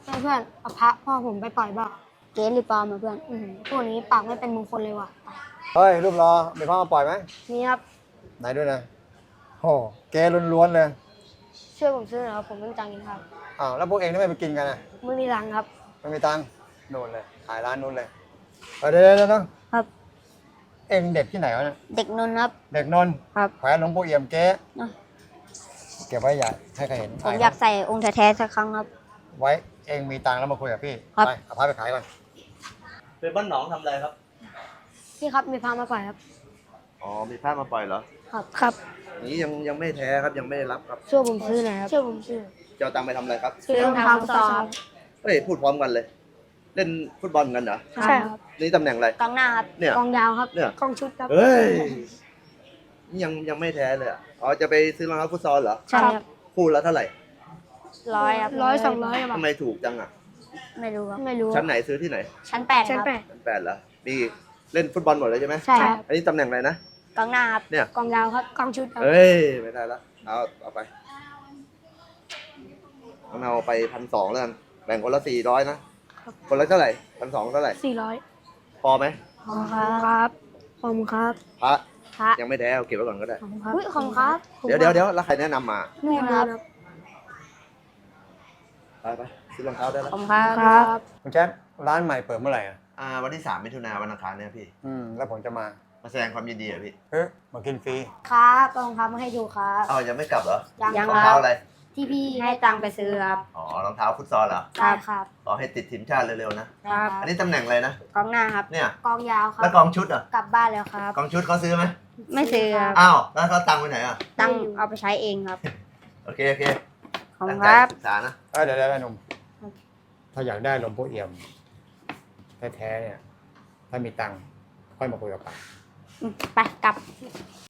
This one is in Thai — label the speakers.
Speaker 1: เพื่อนเอาพระพ่อผมไปปล่อยบ้า
Speaker 2: เก๋หรือปลอมมาเพื่อน
Speaker 1: พวกนี้ปากไม่เป็นมงคลเลยว่ะ
Speaker 3: เฮ้ยรูปรอมีพ่อมาปล่อยไหม
Speaker 1: นี่ครับ
Speaker 3: ไหนด้วยนะโอ้เกล้วนๆเลย
Speaker 1: ช่วยผมซื้อหน่อยครับผมไม่มีตังค์กินข้าว
Speaker 3: อ้าวแล้วพวกเองทำไมไปกินกันอ่ะ
Speaker 1: ไม่มีตังค์ครับ
Speaker 3: ไม่มีตังค์โน่นเลยขายร้านนู้นเลยเดี๋ยว
Speaker 2: ครับ
Speaker 3: เองเด็กที่ไหนวะเนี่ย
Speaker 2: เด็กนนท์ครับ
Speaker 3: เด็กนนท์
Speaker 2: ครับ
Speaker 3: แขวนหลวงปู่เอี่ยมเก๊
Speaker 2: อ่ะ
Speaker 3: เก็บไว้อย่าให้ใครเห็น
Speaker 2: ผมอยากใส่องค์แท้ๆสักครั้งครับ
Speaker 3: ไว้เองมีตังค์แล้วมาคุยกับพี่
Speaker 2: ครับ
Speaker 3: ไปเอาพาไปขายก่อน
Speaker 4: เป็นบ้านหนองทำอะไรครับ
Speaker 1: พี่ครับมีพระมาปล่อยครับ
Speaker 4: อ๋อ มีพระมาปล่อยเหรอ
Speaker 1: ครับ
Speaker 4: นี้ยังไม่แท้ครับ ยังไม่ได้รับครับ
Speaker 1: ช่วยผมซื้อหน่อยครับช่วยผมซื้อ
Speaker 4: จะเอาตังค์ไปทำอะไรครับ
Speaker 1: ซื้อรองเท้าฟุตซอล
Speaker 4: เฮ้ย พูดพร้อมกันเลย เล่นฟุตบอลกันเหรอ
Speaker 1: ใช่ครับ
Speaker 4: นี่ตำแหน่งอะไร
Speaker 2: กองหน้าครับ
Speaker 4: เนี่ย
Speaker 1: กองยาวครับ
Speaker 4: เนี่ย
Speaker 1: กองชุดครับ
Speaker 4: เฮ้ย นี่ยังไม่แท้เลยอะอ๋อ จะไปซื้อรองเท้าฟุตซอลเหรอ
Speaker 2: ใช่ครับ
Speaker 4: คู่ละเท่าไหร่
Speaker 2: 100ครับ
Speaker 1: 100-200ครับ
Speaker 4: ทำไมถูกจังอ่ะ
Speaker 2: ไม่รู้ครับ
Speaker 1: ไม่รู้
Speaker 4: ชั้นไหนซื้อที่ไหน
Speaker 2: ชั้น8ค
Speaker 1: ชั้น
Speaker 2: รับ
Speaker 1: แปด
Speaker 4: ชั้น8เหรอนี่เล่นฟุตบอลหมดเลยใช่ไหม
Speaker 1: ใช่ครับ
Speaker 4: อันนี้ตำแหน่งอะไรนะ
Speaker 2: กองหน้าครับ
Speaker 4: เนี่ย
Speaker 1: กองยาวครับกองชุดครับ
Speaker 4: เฮ้ย ไม่ได้ละเอาไปเอาไป1,200แล้วกัน แบ่งคนละ400นะ คนละเท่าไหร่1,200เท่าไหร่
Speaker 1: 400
Speaker 4: พอไหม
Speaker 1: ขอบคุณครับขอบคุณครับ
Speaker 4: พระ
Speaker 2: พระ
Speaker 4: ยังไม่แท้เอาเก็บไว้ก่อนก็ได้
Speaker 1: ขอบคุณครับ
Speaker 2: อุ้ยของครับ
Speaker 4: เดี๋ยวแล้วใครแนะนำมา
Speaker 1: นู่นครับ
Speaker 4: ไปซื้อรองเท้าได้แล้ว
Speaker 2: ของครับ
Speaker 1: ครับ
Speaker 3: คุณแจ๊คร้านใหม่เปิดเมื่อไหร่อ่ะ
Speaker 4: วันที่3 มิถุนายนวันอังคารเนี่ยพี่
Speaker 3: แล้วผมจะมา
Speaker 4: มาแสดงความยินดีอ่ะพี่
Speaker 3: มากินฟรี
Speaker 2: ครับรองเท้ามาให้ดูครับ
Speaker 4: อ้าวยังไม่กลับเหรอ
Speaker 2: ยัง
Speaker 4: รอง
Speaker 2: ค
Speaker 4: เท้า
Speaker 2: รับ
Speaker 4: อะไร
Speaker 2: ที่พี่ให้ตังค์ไปซื้อครับ
Speaker 4: อ๋อรองเท้าฟุตซอลเหรอ
Speaker 2: ครับ
Speaker 4: ขอให้ติดทีมชาติเร็วๆนะ
Speaker 2: ครับ
Speaker 4: อันนี้ตำแหน่งอะไรนะ
Speaker 2: กองหน้าครับ
Speaker 4: เนี่ย
Speaker 1: กองยาวครั
Speaker 4: แล้ว
Speaker 1: บ
Speaker 4: กองชุดอ่ะ
Speaker 2: กลับบ้านแล้วครับ
Speaker 4: กองชุดเขาซื้อไหม
Speaker 2: ไม่ซื้อครับ
Speaker 4: อ้าวแล้วเขาตังค์ไปไหนอ่ะ
Speaker 2: ตังค์เอาไปใช้เองครับ
Speaker 4: โอเค
Speaker 2: ของ
Speaker 4: ตั้ง
Speaker 2: ค
Speaker 4: ใจ
Speaker 2: รับ
Speaker 4: ศึกษานะ
Speaker 3: เดี๋ยวหนุ่มถ้าอยากได้หลวงปู่เอี่ยมแท้ๆเนี่ยถ้ามีตังค์ค่อยมาคุยกับป้า
Speaker 2: ไปกลับ